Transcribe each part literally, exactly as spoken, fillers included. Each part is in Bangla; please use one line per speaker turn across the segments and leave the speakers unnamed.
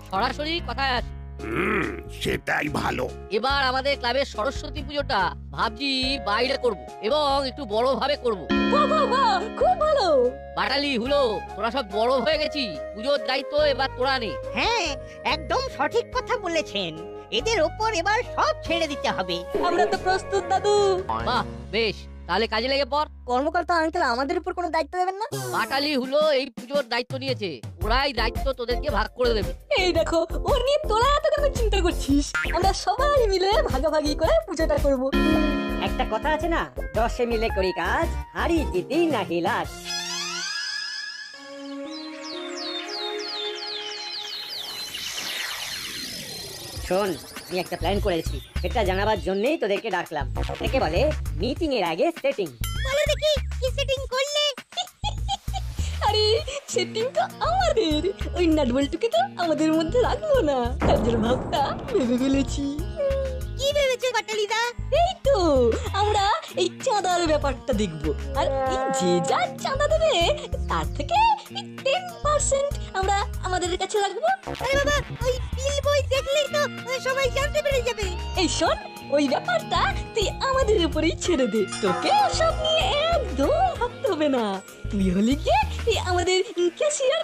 সরাসরি কথায় আসি।
হুম, সেটাই ভালো।
এবার আমাদের ক্লাবের সরস্বতী পুজোটা ভাবছি বাইরে করব এবং একটু বড় ভাবে করব।
বাহ বাহ বাহ, খুব ভালো।
বাটালি হুলো, তোরা সব বড় হয়ে গেছি, পুজোর দায়িত্ব এবার তোরা নে।
হ্যাঁ, একদম সঠিক কথা বলেছেন। এদের ওপর এবার সব ছেড়ে দিতে হবে।
আমরা তো প্রস্তুত দাদু।
বাহ, বেশ, তাহলে কাজে লেগে পড়।
কর্মকর্তা আঙ্কেল আমাদের উপর কোনো দায়িত্ব দেবেন না?
বাটালি হুলো এই পুজোর দায়িত্ব নিয়েছে, ওরাই দায়িত্ব তোদেরকে ভাগ করে দেবে।
এই দেখো, ওর নিয়ে তোরা এত কেন চিন্তা করছিস? আমরা সবাই মিলে ভাগাভাগি করে পুজোটা করব।
একটা কথা আছে না, দশে মিলে করি কাজ, হারি জিতি নাহি লাজ। শোন, আমি একটা প্ল্যান করেছি, এটা জানাবার জন্যই তোদেরকে ডাকলাম। একে বলে মিটিং এর আগে সেটিং।
বলো দেখি কি সেটিং করলে?
আরে সেটিং তো আমাদের, ওই নাটবল্টুকে তো আমাদের মধ্যে রাখবো না, কাজের ভাবটা ভেবে ফেলেছি।
কি ভেবেছো বাটালিদা?
এই তো আমরা এই চাঁদার ব্যাপারটা দেখবো, আর এই যে যা চাঁদা দেবে তার থেকে টেন পার্সেন্ট আমরা আমাদের কাছে রাখবো।
আরে বাবা, ওই বিল বই দেখলেই তো সবাই জানতে পেরে যাবে।
এই শোন, ওই ব্যাপারটা তুই আমাদের উপরেই ছেড়ে দে, তোকে ওসব নিয়ে একদম ভাবতে হবে না। তুই হলি গিয়ে তুই আমাদের ক্যাশিয়ার।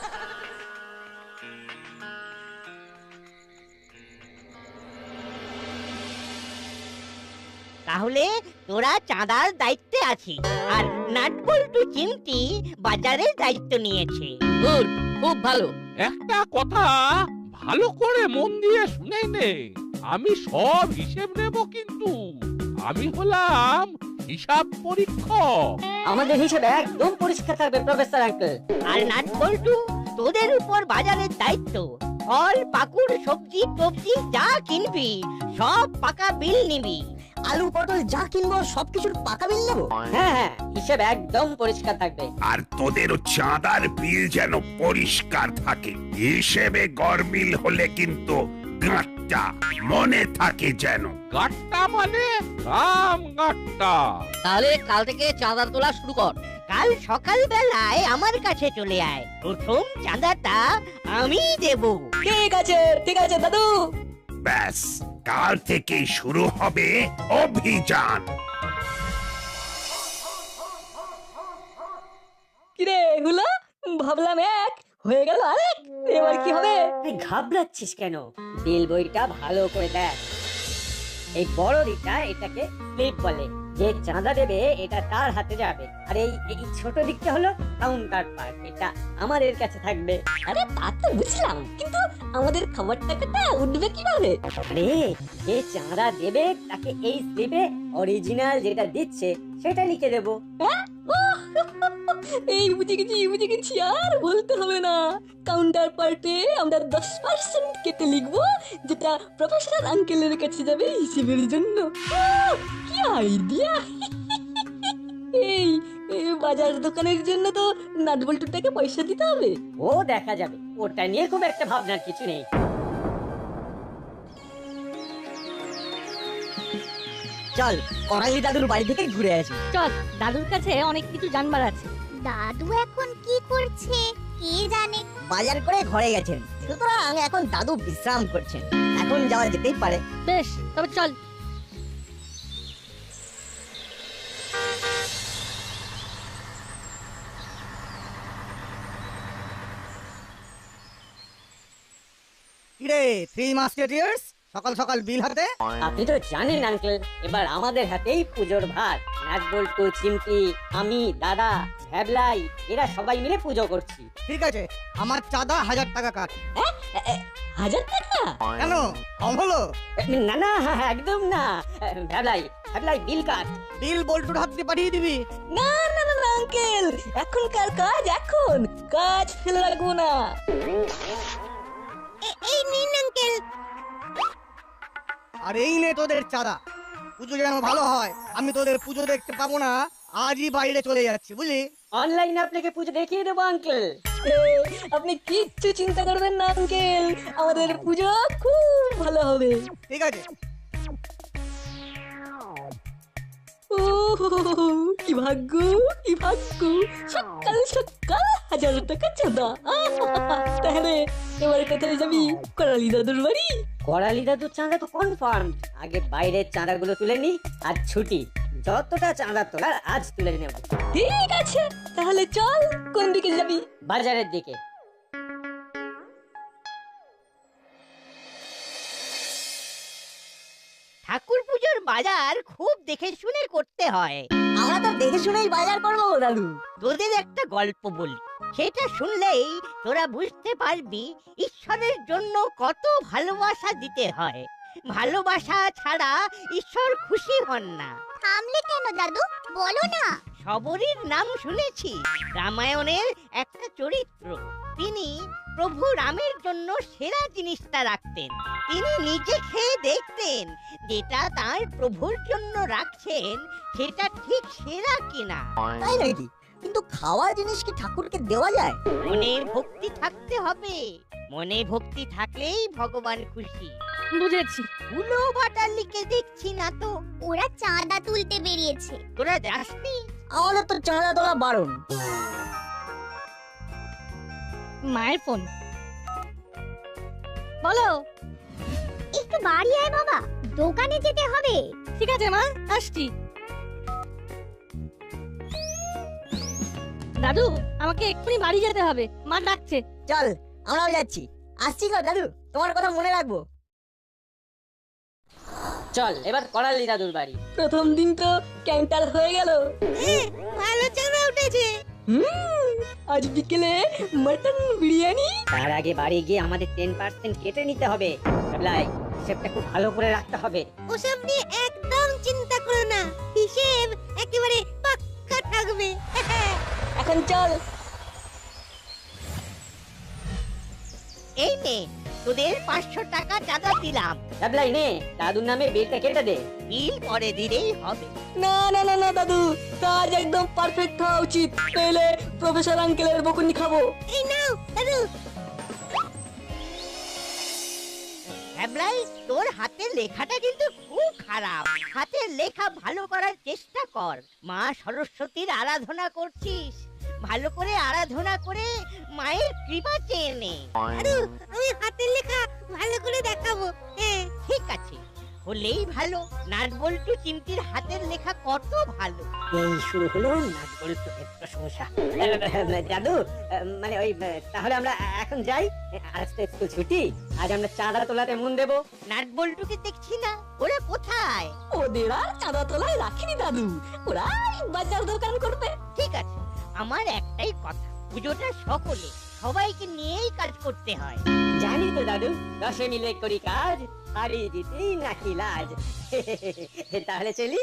তাহলে তোরা চাঁদার দায়িত্বে আছিস, আর নাটবল্টু চিমটি বাজারের দায়িত্ব নিয়েছে।
গুড, খুব ভালো।
একটা কথা ভালো করে মন দিয়ে শুনে নে, আমি সব হিসেব নেব, কিন্তু আমি হলাম হিসাব পরীক্ষক।
আমাদের হিসেবে একদম পরিষ্কার থাকবে প্রফেসর আঙ্কেল।
আর নাটবল্টু, তোদের উপর বাজারের দায়িত্ব। ফল পাকুড় সবজি টবজি যা কিনবি সব পাকা বিল নিবি।
আলু পটল যা কিনবো সবকিছুর পাকা বিল নেবো।
হ্যাঁ হ্যাঁ, হিসেব একদম পরিষ্কার থাকবে।
আর তোদের চাঁদার বিল যেন পরিষ্কার থাকে। হিসেবে গরমিল হলে কিন্তু গাঁটটা মনে থাকে যেন।
গাট্টা মানে রাম গাট্টা।
তাহলে কাল থেকে চাঁদা তোলা শুরু কর।
কাল সকাল বেলায় আমার কাছে চলে আয়, প্রথম চাঁদাটা আমি দেব।
ঠিক আছে ঠিক আছে দাদু।
ব্যাস, কাল থেকেই শুরু হবে অভিযান।
কিরে হুলা, ভাবলাম এক, হয়ে গেল আরেক, এবার কি হবে?
তুই ঘাবড়াচ্ছিস কেন? বিল বইটা ভালো করে দেখ। এই বড় দিকটা এটাকে স্লিপ বলে, যে চাঁদা দেবে এটা তার হাতে যাবে। আর এই এই ছোট দিকটা হলো কাউন্টার পার্ট, এটা আমাদের কাছে থাকবে।
আরে তা তো বুঝলাম, কিন্তু আমাদের খাবার টাকাটা উঠবে কিভাবে?
আরে যে চাঁদা দেবে তাকে এই স্লিপে অরিজিনাল যেটা দিচ্ছে সেটা লিখে দেবো।
এই বুঝে গেছি বুঝে গেছি, আর বলতে হবে না। কাউন্টার পার্টে আমরা দশ পার্সেন্ট কেটে লিখবো, যেটা প্রফেসর আঙ্কেলের কাছে যাবে হিসেবের জন্য। আহ, কি আইডিয়া! এই এই বাজার দোকানের জন্য তো নাটবল্টুটাকে পয়সা দিতে হবে।
ও দেখা যাবে, ওটা নিয়ে খুব একটা ভাবনার কিছু নেই।
চল, করালি দাদুর বাড়ি থেকে ঘুরে আসি।
চল, দাদুর কাছে অনেক কিছু জানবার আছে।
দাদু এখন কি করছে কে জানে?
বাজার করে ঘরে গেছেন, সুতরাং এখন দাদু বিশ্রাম করছেন। এখন যাওয়া যেতেই পারে।
বেশ, তবে চল।
কিরে থ্রি মাস্কেটিয়ার্স, সকাল সকাল বিল হাতে?
আপনি তো জানেন আঙ্কেল, এবার আমাদের হাতেই পুজোর ভার। নাটবল্টু, চিমটি, আমি, দাদা, ভ্যাবলাই, এরা সবাই মিলে পুজো করছি।
ঠিক আছে, আমার চাঁদা হাজার টাকা কাট।
হাজার টাকা?
কেন, কম হলো?
না না, একদম না। ভ্যাবলাই, ভ্যাবলাই বিল কাট।
বিল বল্টুর হাত দিয়ে পাঠিয়ে দিবি।
না না না আঙ্কেল, এখনকার কাজ এখন, কাজ ফেলে রাখবো না।
এই নিন আঙ্কেল।
আর এই নে তোদের চাঁদা। পুজো যেন ভালো হয়, আমি তোদের পুজো দেখতে পাবো না, আজই বাইরে চলে যাচ্ছি, বুঝলি?
অনলাইনে আপনাকে পুজো দেখিয়ে দেবো আঙ্কেল।
আপনি কিচ্ছু চিন্তা করবেন না আঙ্কেল, আমাদের পুজো খুব ভালো হবে।
ঠিক আছে।
ও কি ভাগ্য কি ভাগ্য, সকাল সকাল হাজার টাকা চাঁদা। আহা, তাহলে এবারে কোথায় যাবি? করালি দাদুর বাড়ি?
করালি দাদুর চাঁদা তো কনফার্ম। আগে বাইরের চাঁদাগুলো তুলে নি, আর ছুটি যতটা চাঁদা তোলার আজ তুলে নেব।
ঠিক আছে, তাহলে চল। কোন দিকে যাবি?
বাজারের দিকে।
ঠাকুর পুজোর বাজার খুব দেখে শুনে করতে হয়।
আমরা তো দেখে শুনেই বাজার করবো দাদু।
তোদের একটা গল্প বলি, সেটা শুনলেই তোরা বুঝতে পারবি ঈশ্বরের জন্য কত ভালোবাসা দিতে হয়। ভালোবাসা ছাড়া ঈশ্বর খুশি হন না।
থামলে কেন দাদু, বলো না।
সবরীর নাম শুনেছি, রামায়ণের একটা চরিত্র। তিনি প্রভু রামের জন্য সেরা জিনিসটা রাখতেন। তিনি নিজে খেয়ে দেখতেন যেটা তার প্রভুর জন্য রাখছেন সেটা ঠিক সেরা কিনা।
তাই নাকি? কিন্তু খাওয়া জিনিস কি ঠাকুরকে দেওয়া যায়?
মনের ভক্তি থাকতে হবে, মনে ভক্তি থাকলেই ভগবান খুশি।
বুঝেছি।
উলো ভাটালিকে দেখছি না তো।
ওরা চাঁদা তুলতে বেরিয়েছে।
তোরা যাসনি?
আমাদের তো চাঁদা তোলা বারণ।
মায়ের ফোন। বলো।
একটু বাড়ি আয় বাবা, দোকানে যেতে হবে।
ঠিক আছে মা, আসছি। দাদু, আমাকে এক্ষুনি বাড়ি যেতে হবে, মা ডাকছে।
চল, আমরাও যাচ্ছি। আসছি গো দাদু, তোমার কথা মনে রাখবো।
চল এবার করালি দাদুর বাড়ি।
প্রথম দিন তো ক্যান্টার হয়ে গেল।
ভালো চাঁদা উঠেছে।
হুম, আজ বিকেলে মটন বিরিয়ানি।
তার আগে বাড়ি গিয়ে আমাদের টেন পার্সেন্ট কেটে নিতে হবে। লাই, হিসেবটা খুব ভালো করে রাখতে হবে।
ওসব নিয়ে একদম চিন্তা করো না, হিসেব একেবারে পাক্কা থাকবে।
এখন চল।
এই নে তোদের পাঁচশো টাকা চাঁদা দিলাম।
লাই নে, দাদুর নামে বিলটা কেটে দে।
বিল পরে দিলেই হবে।
না না না না দাদু, কাজ একদম পারফেক্ট হওয়া উচিত, পেলে প্রফেসর আঙ্কেলের বকুনি খাবো।
এই নাও দাদু। হ্যাবলাই, তোর হাতের লেখাটা কিন্তু খুব খারাপ। হাতের লেখা ভালো করার চেষ্টা কর। মা সরস্বতীর আরাধনা করছিস, ভালো করে আরাধনা করে মায়ের কৃপা চেয়ে নে। দাদু, আমি হাতের লেখা ভালো করে দেখাবো। হ্যাঁ ঠিক আছে, হলেই ভালো। নাট বল্টু চিমটির হাতের লেখা কত ভালো।
এই শুরু হলো নাট বল্টুর প্রশংসা। দাদু, মানে ওই তাহলে আমরা এখন যাই। আজ তো স্কুল ছুটি, আজ আমরা চাঁদা তোলাতে মন দেবো।
নাট বল্টুকে দেখছি না, ওরা কোথায়?
ওদের আর চাঁদা তোলায় রাখিনি দাদু, ওরা বাজার দোকান করবে।
ঠিক আছে, আমার একটাই কথা, পুজোটা সকলে সবাইকে নিয়েই কাজ করতে হয়।
জানি তো দাদু, দশে মিলে করি কাজ, হারিয়ে দিতেই নাকি লাজ। তাহলে চলি।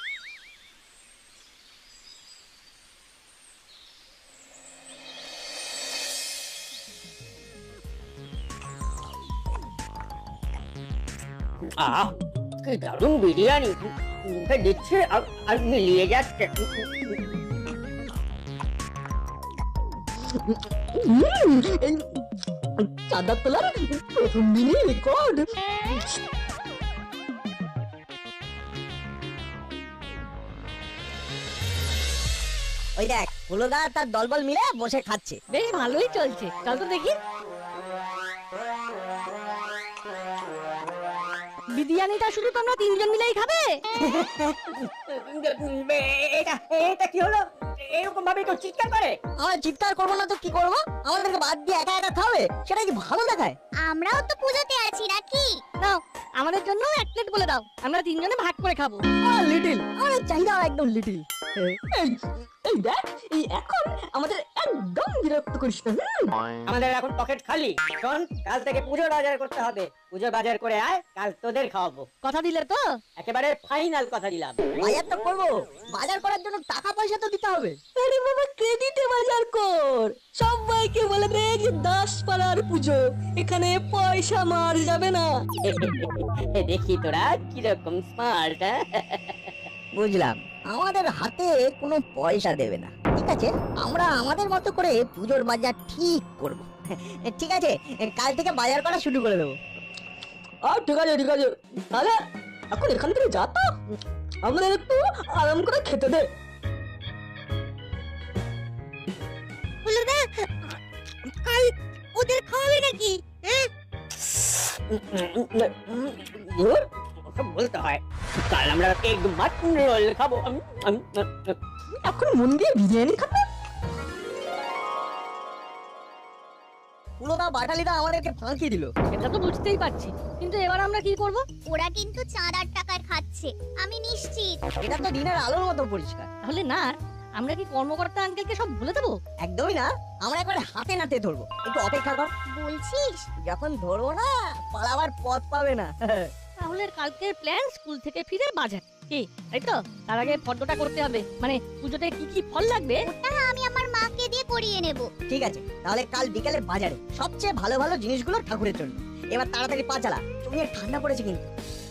আহ, কি দারুণ বিরিয়ানি, মুখে দিচ্ছে আর আর মিলিয়ে যাচ্ছে।
হুম, এই চাঁদা তোলার প্রথম দিনই রেকর্ড।
ওই দেখ, হলোদা তার দলবল মিলে বসে খাচ্ছে।
বেশ ভালোই চলছে, চল তো দেখি। বিরিয়ানিটা শুধু তোমরা তিনজন মিলেই খাবে?
এটা এটা কি হলো? এরকম ভাবে কেউ চিৎকার করে?
আমরা চিৎকার করবো না তো কি করবো? আমাদেরকে বাদ দিয়ে একা একা খাবে, সেটা কি ভালো দেখায়?
আমরাও তো পুজোতে আছি নাকি?
নাও, আমাদের জন্য এক প্লেট বলে দাও, আমরা তিনজনে ভাগ করে খাবো।
লিটিল, আমাদের চাহিদা একদম লিটিল। এই দেখ, এই এখন আমাদের একদম বিরক্ত করিস না।
আমাদের এখন পকেট খালি। শোন, কাল থেকে পুজোর বাজার করতে হবে। পুজো বাজার করে আয়, কাল তোদের খাওয়াবো।
কথা দিলে তো?
একেবারে ফাইনাল কথা দিলাম।
বাজার তো করবো, বাজার করার জন্য টাকা পয়সা তো দিতে হবে।
আরে বাবা, ক্রেডিটে বাজার কর। সবাইকে বলে দে যে দাস পাড়ার পুজো, এখানে পয়সা মার যাবে না।
দেখি তোরা কিরকম স্মার্ট।
বুঝলাম, আমাদের হাতে কোনো পয়সা দেবে না। ঠিক আছে, আমরা আমাদের মতো করে পুজোর বাজার ঠিক করব। ঠিক আছে, কাল থেকে বাজার করা শুরু করে দেবো।
আর ঠিক আছে ঠিক আছে, তাহলে এখন এখান থেকে যা তো। আমাদের একটু আরাম করে খেতে দে।
হলো না, কাল ওদের খাওয়াবে নাকি? হ্যাঁ,
ধুর, ওসব বলতে হয়। কাল আমরা এগ মাটন রোল খাবো। উম, উম, উম, উম।
এখন মন দিয়ে বিরিয়ানি খাবে।
পুরোটা বাটালিটা আমাদেরকে ফাঁকি দিল।
সেটা তো বুঝতেই পারছি, কিন্তু এবার আমরা কি করব?
ওরা কিন্তু চাঁদার টাকায় খাচ্ছে, আমি নিশ্চিত।
এটা তো দিনের আলোর মতো পরিষ্কার।
তাহলে না, আমরা কি কর্মকর্তা আঙ্কেলকে সব বলে দেবো?
একদমই না, আমরা একবারে হাতে নাতে ধরবো। একটু অপেক্ষা কর,
বলছিস?
যখন ধরবো না পালাবার পথ পাবে না।
তাহলে কালকের প্ল্যান স্কুল থেকে ফিরে বাজার, কি তাই তো? তার আগে ফর্দটা করতে হবে, মানে পুজোতে কি কি ফল লাগবে।
ওটা আমি আমার মাকে দিয়ে করিয়ে নেব।
ঠিক আছে, তাহলে কাল বিকালে বাজারে সবচেয়ে ভালো ভালো জিনিসগুলো ঠাকুরের জন্য। এবার তাড়াতাড়ি পা চালা, চোখে ঠান্ডা পড়েছে কিন্তু।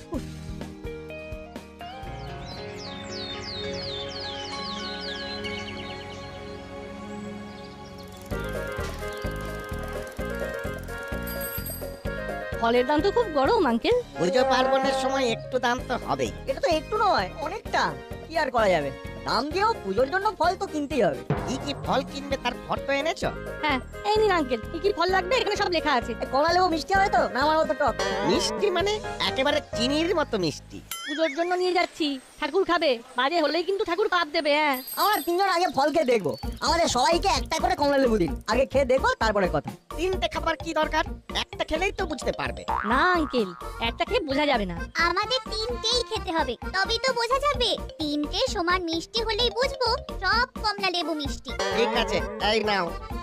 ফলের দাম তো খুব গরম আঙ্কেল।
পুজো পার্বণের সময় একটু দাম তো হবেই।
এটা তো একটু নয়, অনেকটা। কি আর করা যাবে, দাম দিয়েও পুজোর জন্য ফল তো কিনতেই হবে।
কি কি ফল কিনবে তার ফটো এনেছো?
হ্যাঁ, এই নিন আঙ্কেল, কি কি ফল লাগবে এখানে সব লেখা আছে।
এ, কমলা লেবু মিষ্টি হবে তো, না আমার মতো টক?
মিষ্টি মানে একেবারে চিনির মতো মিষ্টি।
পুজোর জন্য নিয়ে যাচ্ছি, ঠাকুর খাবে, বাজে হলেই কিন্তু ঠাকুর পাপ দেবে। হ্যাঁ,
আমরা তিনজন আগে ফল খেয়ে দেখবো। আমাদের সবাইকে একটা করে কমলা লেবু দিন, আগে খেয়ে দেখবো তারপরে কথা।
তিনটে খাবার কি দরকার? একটা খেলেই তো বুঝতে পারবে।
না আঙ্কেল, একটা খেয়ে বোঝা যাবে না।
আমাদের তিনটেই খেতে হবে, তবেই তো বোঝা যাবে। তিনটে সমান মিষ্টি হলেই বুঝবো সব কমলা লেবু মিষ্টি।
ঠিক আছে, এই নাও।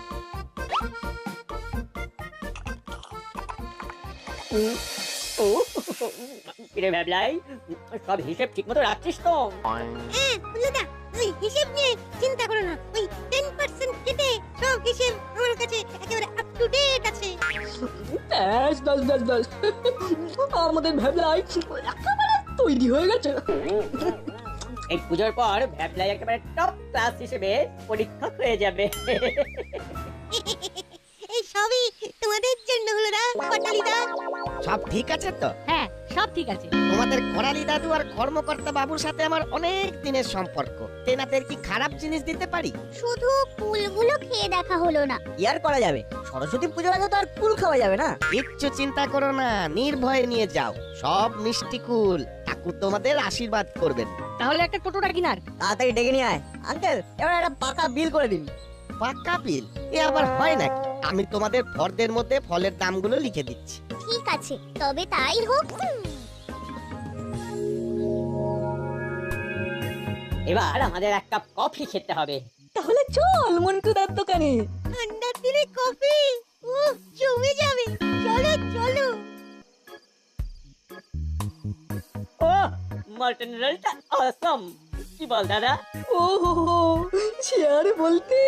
ও কিরে ভ্যাবলাই, সব হিসেব ঠিক মতো রাখছিস তো?
ওই হিসেব নিয়ে চিন্তা করো না, ওই টেন পার্সেন্ট কেটে সব হিসেব আমার কাছে একেবারে আপ টু ডেট আছে।
ব্যাস ব্যাস ব্যাস ব্যাস, আমাদের ভেবলাই একেবারে তৈরি হয়ে গেছে।
এই পুজোর পর ভ্যাবলাই একেবারে টপ ক্লাস হিসেবে পরীক্ষা হয়ে যাবে।
এই সবই তোমাদের জন্য হলো না পাটালিদা।
সব ঠিক আছে তো?
হ্যাঁ, সব ঠিক আছে।
তোমাদের করালি দাদু আর কর্মকর্তা বাবুর সাথে আমার অনেক দিনের সম্পর্ক। তেনাদের কি খারাপ জিনিস দিতে পারি?
শুধু ফুলগুলো খেয়ে দেখা হলো না।
কি আর করা যাবে, সরস্বতী পুজোর আগে তো আর কুল খাওয়া যাবে না।
কিচ্ছু চিন্তা করো না, নির্ভয়ে নিয়ে যাও। সব মিষ্টি কুল ঠাকুর তোমাদের আশীর্বাদ করবেন।
তাহলে একটা টোটোটা কিনার।
তাড়াতাড়ি ডেকে নিয়ে আয়। আঙ্কেল, এবার একটা পাকা বিল করে দিন।
পাক্কা বিল? এ আবার হয় নাকি? আমি তোমাদের ফর্দের মধ্যে ফলের দামগুলো লিখে দিচ্ছি।
ঠিক আছে, তবে তাই হোক।
এবার আমাদের এক কাপ কফি খেতে হবে।
তাহলে চল মন্টুদার দোকানে।
ঠান্ডার দিনে কফি, উহ, জমে যাবে। চলো চলো।
ও মটন রোলটা অসম। কি বল দাদা?
ও হো হো, সে আর বলতে।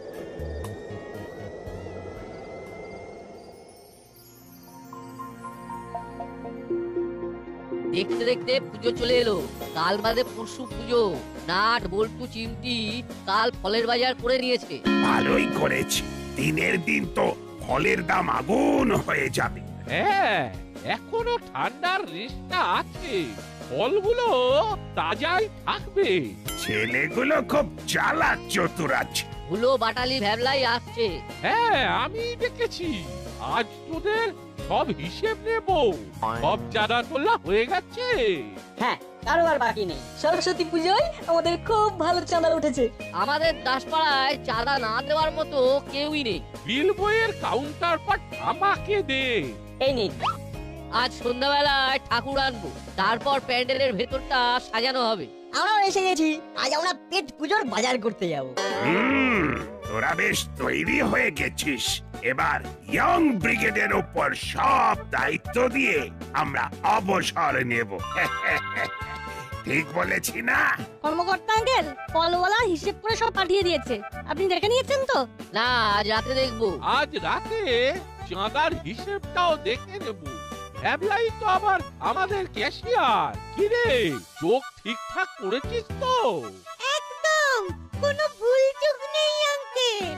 দেখতে দেখতে পুজো চলে এলো। কাল বাদে পরশু পুজো। নাট বল্টু চিমটি কাল ফলের বাজার করে নিয়েছে।
ভালোই করেছে, দিনের দিন তো ফলের দাম আগুন হয়ে যাবে।
হ্যাঁ, এখনো ঠান্ডার রেশটা আছে, ফলগুলো তাজাই থাকবে।
ছেলেগুলো খুব চালাক চতুর আছে।
হুলো বাটালি ভ্যাবলাই আসছে।
হ্যাঁ, আমি দেখেছি। আজ তোদের সব হিসেব নেব। সব চাঁদা তোলা হয়ে গেছে।
হ্যাঁ, কারো আর বাকি নেই।
সরস্বতী পুজোয় আমাদের খুব ভালো চাঁদা উঠেছে।
আমাদের দাসপাড়ায় চাঁদা না দেওয়ার মতো কেউই নেই।
বিল বইয়ের কাউন্টার পার্ট আমাকে দে।
এই নিন।
আজ সন্ধ্যাবেলায় ঠাকুর আনবো, তারপর প্যান্ডেলের ভেতরটা সাজানো হবে।
আমরাও এসে গেছি, আজ আমরা পেট পুজোর বাজার করতে যাব।
হুম, তোরা বেশ তৈরি হয়ে গেছিস। এবার ইয়ং ব্রিগেডের উপর সব দায়িত্ব দিয়ে আমরা অবসর নেব। ঠিক বলেছি না?
কর্মকর্তা আঙ্কেল ফলওয়ালা হিসেব করে সব পাঠিয়ে দিয়েছে, আপনি দেখে নিয়েছেন তো?
না, আজ রাতে দেখবো।
আজ রাতে চাঁদার হিসেবটাও দেখে নেব। ভ্যাবলাই তো আবার আমাদের ক্যাশিয়ার। কিরে, চোখ ঠিকঠাক করেছিস তো?
একদম কোনো ভুল চুক নেই আঙ্কেল।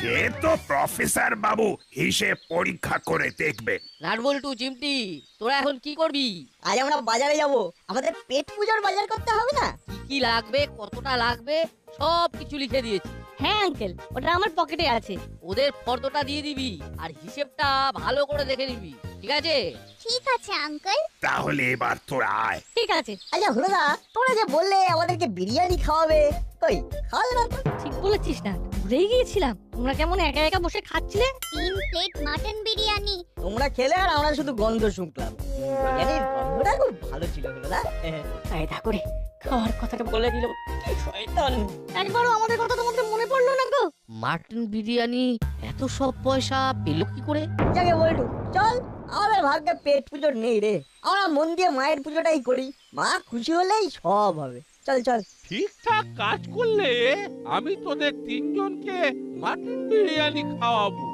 সে তো প্রফেসর বাবু হিসেব পরীক্ষা করে দেখবে।
নাট বল্টু চিমটি তোরা এখন কি করবি?
আজ আমরা বাজারে যাব, আমাদের পেট পূজার বাজার করতে হবে না?
কি কি লাগবে, কতটা লাগবে সব কিছু লিখে দিয়েছি।
হ্যাঁ আঙ্কেল, ওটা আমার পকেটে আছে।
ওদের ফর্দটা দিয়ে দিবি আর হিসেবটা ভালো করে দেখে নিবি, ঠিক আছে?
ঠিক আছে আঙ্কেল।
তাহলে এবার তোরা আয়।
ঠিক আছে।
আচ্ছা হলদা, তোমরা যে বললে আমাদেরকে বিরিয়ানি খাওয়াবে, কই খাওয়ালে না তো?
ঠিক বলেছিস না, ভুলেই গিয়েছিলাম। তোমরা কেমন একা একা বসে খাচ্ছিলে?
তিন প্লেট মাটন বিরিয়ানি।
তোমরা খেলে আর আমরা শুধু গন্ধ শুনলাম। বিরিয়ানির গন্ধটা খুব ভালো ছিল হলদা।
কায়দা করে খাওয়ার কথাটা বলে দিল, কি শয়তান! একবারও আমাদের কথা তোমাদের মনে পড়লো না গো?
মাটন বিরিয়ানি এত সব পয়সা পেলো কি করে?
যাকে বলটু, চল, আমাদের ভাগ্যে পেট পুজো নেই রে। আমরা মন দিয়ে মায়ের পুজোটাই করি, মা খুশি হলেই সব হবে। চল চল।
ঠিকঠাক কাজ করলে আমি তোদের তিনজনকে মাটন বিরিয়ানি খাওয়াবো।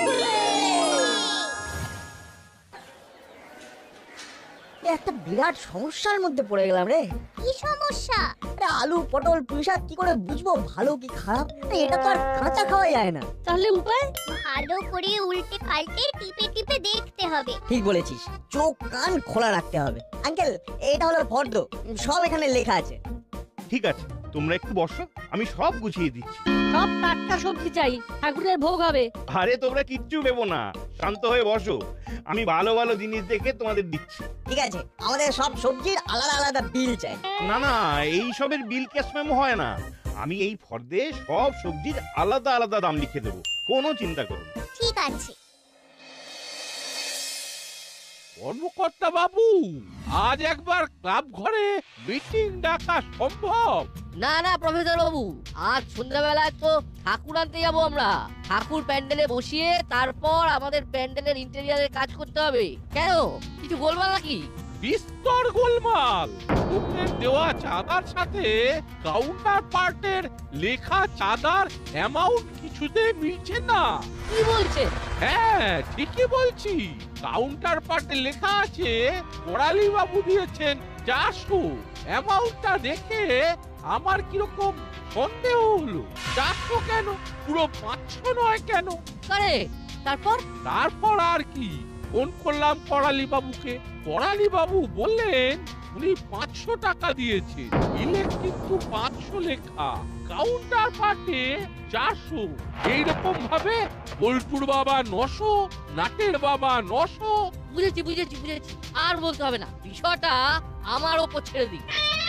একটা বিরাট সমস্যার মধ্যে পড়ে গেলাম রে।
কি সমস্যা?
আরে আলু পটল পুঁইশাক কি করে বুঝবো ভালো কি খারাপ? আরে এটা তো আর কাঁচা খাওয়া যায় না।
তাহলে উপায়?
ভালো করে উল্টে পাল্টে টিপে টিপে দেখতে হবে।
ঠিক বলেছিস, চোখ কান খোলা রাখতে হবে। আঙ্কেল, এটা হলো ফর্দ, সব এখানে লেখা আছে।
ঠিক আছে, তোমরা একটু বসো, আমি সব গুছিয়ে দিচ্ছি।
সব টাটকা সবজি চাই, ঠাকুরের ভোগ হবে।
আরে তোমরা কিচ্ছু ভেবো না, শান্ত হয়ে বসো, আমি ভালো ভালো জিনিস দেখে তোমাদের দিচ্ছি।
ঠিক আছে, আমাদের সব সবজির আলাদা আলাদা বিল চাই।
না না, এই সবের বিল ক্যাশ মেমো হয় না, আমি এই ফর্দে সব সবজির আলাদা আলাদা দাম লিখে দেবো, কোনো চিন্তা করো না।
ঠিক আছে।
কর্মকর্তা বাবু, আজ একবার ক্লাব ঘরে মিটিং ডাকা সম্ভব?
না না প্রফেসর বাবু, আজ সন্ধ্যাবেলায় তো ঠাকুর আনতে যাবো আমরা। ঠাকুর প্যান্ডেলে বসিয়ে তারপর আমাদের প্যান্ডেলের ইন্টেরিয়ারের কাজ করতে হবে। কেন, কিছু বলবা নাকি?
বিস্তর গোলমাল। লোকের দেওয়া চাঁদার সাথে কাউন্টার পার্টের লেখা চাঁদার অ্যামাউন্ট কিছুতে মিলছে না।
কি বলছে?
হ্যাঁ ঠিকই বলছি, কাউন্টার পার্টে লেখা আছে কোরালি বাবু দিয়েছেন চারশো। অ্যামাউন্টটা দেখে আমার কিরকম সন্দেহ হলো, চারশো কেন, পুরো পাঁচশো নয় কেন?
কারেক্ট। তারপর?
তারপর আর কি, ফোন করলাম করালি বাবুকে। করালি বাবু বললেন উনি পাঁচশো টাকা দিয়েছে, বিলে কিন্তু পাঁচশো লেখা, কাউন্টার পার্টে চারশো। এইরকম ভাবে বল্টুর বাবা নশো, নাটের বাবা নশো।
বুঝেছি বুঝেছি বুঝেছি, আর বলতে হবে না, বিষয়টা আমার ওপর ছেড়ে দিই।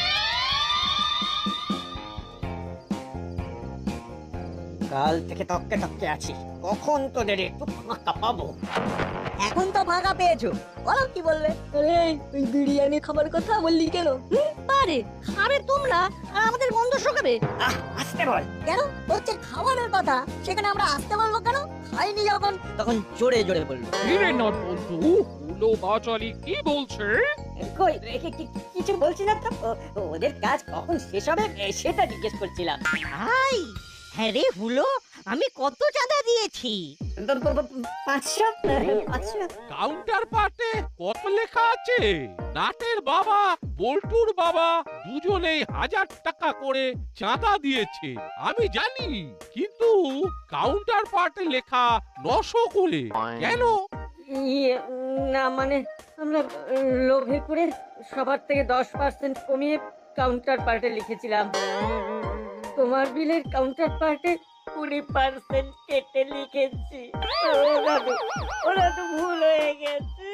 কাল থেকে তককে তককে আছি, কখন তোদের একটু ফাঁকা পাবো।
এখন তো ফাঁকা পেয়েছো, বলো কি বলবে?
আরে ওই বিরিয়ানি খাবার কথা বললি কেন? পারে খাবে তোমরা আর আমাদের গন্ধ শোকাবে।
আহ আসতে বল।
কেন হচ্ছে খাবারের কথা, সেখানে আমরা আসতে বলবো কেন? খাইনি যখন, তখন জোরে জোরে বলবো।
কিরে নট বন্ধু, উলো বাচালি কি বলছে?
কই এ- কি- কি- কিছু বলছি না তো, ও- ওদের কাজ কখন শেষ হবে এ, সেটা জিজ্ঞেস করছিলাম।
হাই, হ্যাঁ রে হুলো, আমি কত চাঁদা দিয়েছি?
প- প- প- পাঁচশো পাঁচশো।
কাউন্টার পার্টে কত লেখা আছে? নাটের বাবা বল্টুর বাবা দুজনেই হাজার টাকা করে চাঁদা দিয়েছে আমি জানি, কিন্তু কাউন্টার পার্টে লেখা নশো করে কেন?
ইয়ে, না মানে আমরা লোভে করে সবার থেকে দশ পার্সেন্ট কমিয়ে কাউন্টার পার্টে লিখেছিলাম। তোমার বিলের কাউন্টার পার্টে কুড়ি পার্সেন্ট কেটে লিখেছি। ওরা তো ওরা তো ভুল হয়ে গেছে।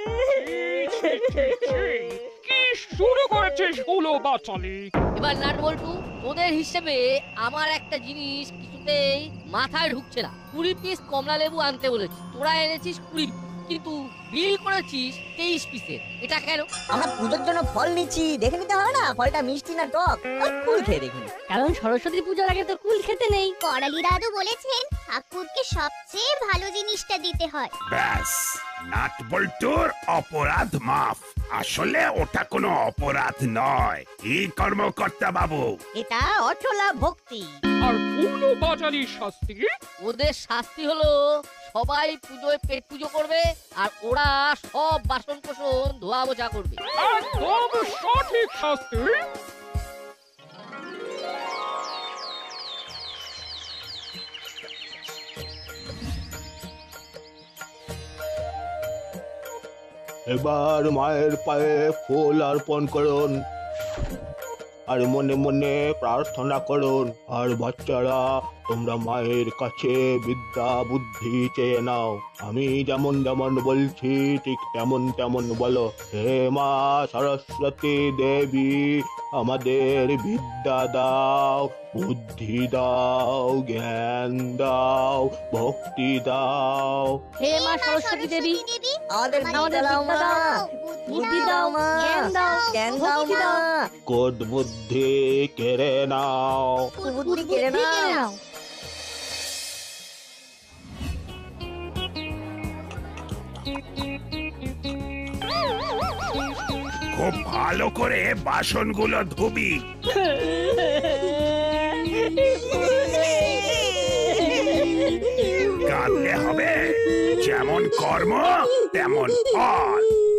কি শুরু করেছিস উলো বাচালি?
এবার নাট বল্টু, ওদের হিসেবে আমার একটা জিনিস কিছুতেই মাথায় ঢুকছে না। কুড়ি পিস কমলা লেবু আনতে বলেছি, তোরা এনেছিস কুড়ি, কিন্তু বিল করেছিস তেইশ পিসের। এটা কেন?
আমরা পুজোর জন্য ফল নিচ্ছি, দেখে নিতে হবে না ফলটা মিষ্টি না টক? আর কুল খেয়ে দেখুন।
কারণ সরস্বতী পূজার আগে তো কুল খেতে নেই।
করালি দাদু বলেছেন ঠাকুরকে সবচেয়ে ভালো জিনিসটা দিতে হয়।
ব্যাস, নাট বল্টুর অপরাধ মাফ। আসলে ওটা কোনো অপরাধ নয়। কি কর্মকর্তা বাবু?
এটা অচলা ভক্তি।
আর উলো বাচালির শাস্তি?
ওদের শাস্তি হলো সবাই পুজোয় পেট পুজো করবে আর ওরা সব বাসন কোসন ধোয়া মোছা করবে।
একদম সঠিক শাস্তি।
এবার মায়ের পায়ে ফুল অর্পণ করুন আর মনে মনে প্রার্থনা করুন। আর বাচ্চারা তোমরা মায়ের কাছে বিদ্যা বুদ্ধি চেয়ে নাও। আমি যেমন যেমন বলছি ঠিক তেমন তেমন বলো। হে মা সরস্বতী দেবী, আমাদের বিদ্যা দাও, বুদ্ধি দাও, জ্ঞান দাও, ভক্তি দাও।
হে মা সরস্বতী দেবী,
আমাদের বিদ্যা দাও মা, বুদ্ধি দাও মা, জ্ঞান দাও মা,
কোট বুদ্ধি কেড়ে নাও।
বুদ্ধি কেড়ে নাও।
খুব ভালো করে বাসনগুলো ধুবি। কাঁদলে হবে, যেমন কর্ম তেমন ফল।